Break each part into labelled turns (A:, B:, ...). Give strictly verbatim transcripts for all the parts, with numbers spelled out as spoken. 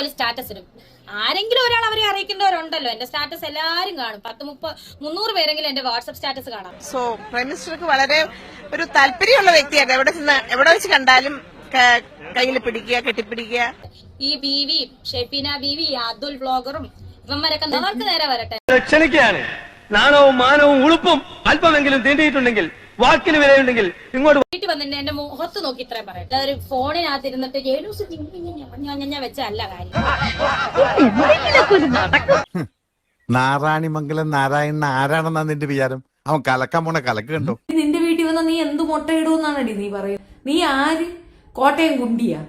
A: ഇതുപോലെ സ്റ്റാറ്റസ് ഇടും. ആരെങ്കിലും ഒരാൾ അവരെ അറിയിക്കുന്നവരുണ്ടല്ലോ. എന്റെ സ്റ്റാറ്റസ് എല്ലാരും കാണും. പത്ത് മുപ്പത് മുന്നൂറ് പേരെങ്കിലും എന്റെ വാട്സ്ആപ്പ് സ്റ്റാറ്റസ് കാണാം.
B: സോ പ്രൈം മിനിസ്റ്റർക്ക് വളരെ ഒരു താല്പര്യമുള്ള വ്യക്തിയാണ്. എവിടെ എവിടെ വെച്ച് കണ്ടാലും കയ്യിൽ പിടിക്കുക, കെട്ടിപ്പിടിക്കുക.
A: ഈ ബീവി ഷെഫീന ബീവി അതുൽ വ്ളോഗറും ഇവന്മാരൊക്കെ അവർക്ക് നേരെ വരട്ടെ.
C: ക്ഷണിക്കുകയാണ്. നാണവും മാനവും ഉളുപ്പും അല്പമെങ്കിലും തീണ്ടിയിട്ടുണ്ടെങ്കിൽ, വാക്കിന് വിലയുണ്ടെങ്കിൽ ഇങ്ങോട്ട്
A: വീട്ടിൽ വന്നിട്ട് എന്റെ മുഖത്ത് നോക്കി ഇത്രയും പറയട്ടെ. ഒരു ഫോണിനകത്ത് ഇരുന്നിട്ട് ജേലൂസ് ഞാൻ വെച്ചല്ല കാര്യം.
D: നാരായണിമംഗലം നാരായണൻ ആരാണെന്നാ നിന്റെ വിചാരം? അവൻ കലക്കാൻ പോണ കലക്ക് കണ്ടോ?
E: നിന്റെ വീട്ടിൽ വന്ന നീ എന്ത് മുട്ടയിടുമെന്നാണടി നീ പറയുന്നത്? നീ ആര്? കോട്ടയം കുണ്ടിയാ?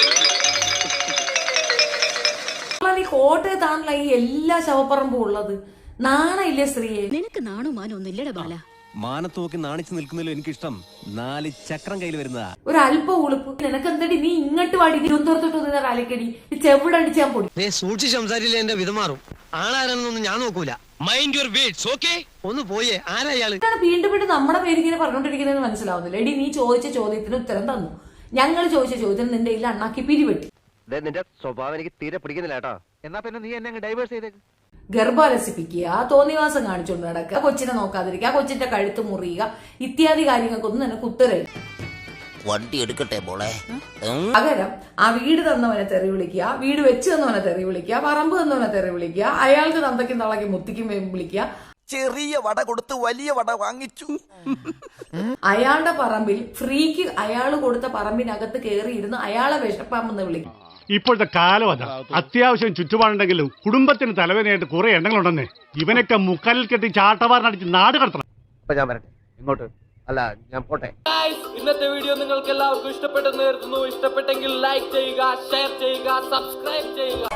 E: നീ കോട്ടയത്താണല്ലോ ഈ എല്ലാ ശവപ്പറമ്പും ഉള്ളത്. നാണയില്ലേ സ്ത്രീയെ?
F: നിനക്ക് നാണോ മാനോ ഒന്നും ഇല്ലട ബാല.
G: മാനത്ത് നോക്കി നാണിച്ചു നിൽക്കുന്നതിലും എനിക്കിഷ്ടം നാല് ചക്രം കയ്യിൽ വരുന്നതാ.
E: ഒരു അല്പ ഉളുപ്പ് നിനക്ക് എന്തടി? നീ ഇങ്ങോട്ട് വാടി, തിരുവനന്തപുരത്തോട്ട് കാലിക്കടി ചെവിടടിച്ചാൻ പൊടി.
H: സൂക്ഷിച്ച് സംസാരിച്ചില്ല എന്റെ വിധമാറും. ആളാരെന്നൊന്നും ഞാൻ നോക്കൂല. Mind your words, okay? ഒന്ന് പോയേ. ആരാ ഇയാള്?
E: വീണ്ടും വീണ്ടും നമ്മുടെ പേര് ഇങ്ങനെ പറഞ്ഞോണ്ടിരിക്കുന്നതെന്ന് മനസ്സിലാവുന്നില്ല. എടി, നീ ചോദിച്ച ചോദ്യത്തിന് ഉത്തരം തന്നു. ഞങ്ങൾ ചോദിച്ച ചോദ്യത്തിന് നിന്റെ ഇല്ല അണ്ണാക്കി പിരിവെട്ടി.
G: നിന്റെ സ്വഭാവം എനിക്ക് തീരെ പിടിക്കുന്നില്ല കേട്ടോ.
H: എന്നാ പിന്നെ നീ എന്നെ ഡൈവേഴ്സ് ചെയ്തേക്ക്.
E: ഗർഭാലസിപ്പിക്കുക, തോന്നിവാസം കാണിച്ചുകൊണ്ട് നടക്കുക, കൊച്ചിനെ നോക്കാതിരിക്കുക, കൊച്ചിന്റെ കഴുത്ത് മുറിയുക, ഇത്യാദി കാര്യങ്ങൾക്കൊന്നും നിനക്ക് ഉത്തരവില്ല.
I: വണ്ടി എടുക്കട്ടെ മോളെ.
E: പകരം ആ വീട് തന്നവനെ തെറി വിളിക്കുക, വീട് വെച്ച് തന്നവനെ തെറി വിളിക്കുക, പറമ്പ് തന്നവനെ തെറി വിളിക്കുക, അയാൾക്ക് തന്തയ്ക്കും തളയ്ക്കും മുത്തിക്കും വിളിക്കുക.
I: ചെറിയ വട കൊടുത്ത് വലിയ വട വാങ്ങിച്ചു.
E: അയാളുടെ പറമ്പിൽ ഫ്രീക്ക് അയാൾ കൊടുത്ത പറമ്പിനകത്ത് കയറിയിരുന്ന് അയാളെ വിഷപ്പാമെന്ന് വിളിക്കും.
J: ഇപ്പോഴത്തെ കാലം അതാ. അത്യാവശ്യം ചുറ്റുപാടുണ്ടെങ്കിലും കുടുംബത്തിന് തലവേദനയായിട്ട് കുറെ എണ്ണങ്ങളുണ്ടെന്നേ. ഇവനൊക്കെ മുക്കാലിൽ കെട്ടി ചാട്ടവാറിനടിച്ച് നാട് കടത്തണം.
G: ഞാൻ വരട്ടെ ഇങ്ങോട്ട്. അല്ല, ഞാൻ പോട്ടെ.
C: ഇന്നത്തെ വീഡിയോ നിങ്ങൾക്ക് എല്ലാവർക്കും ഇഷ്ടപ്പെട്ടെന്ന് കരുതുന്നു. ഇഷ്ടപ്പെട്ടെങ്കിൽ ലൈക്ക് ചെയ്യുക, ഷെയർ ചെയ്യുക, സബ്സ്ക്രൈബ് ചെയ്യുക.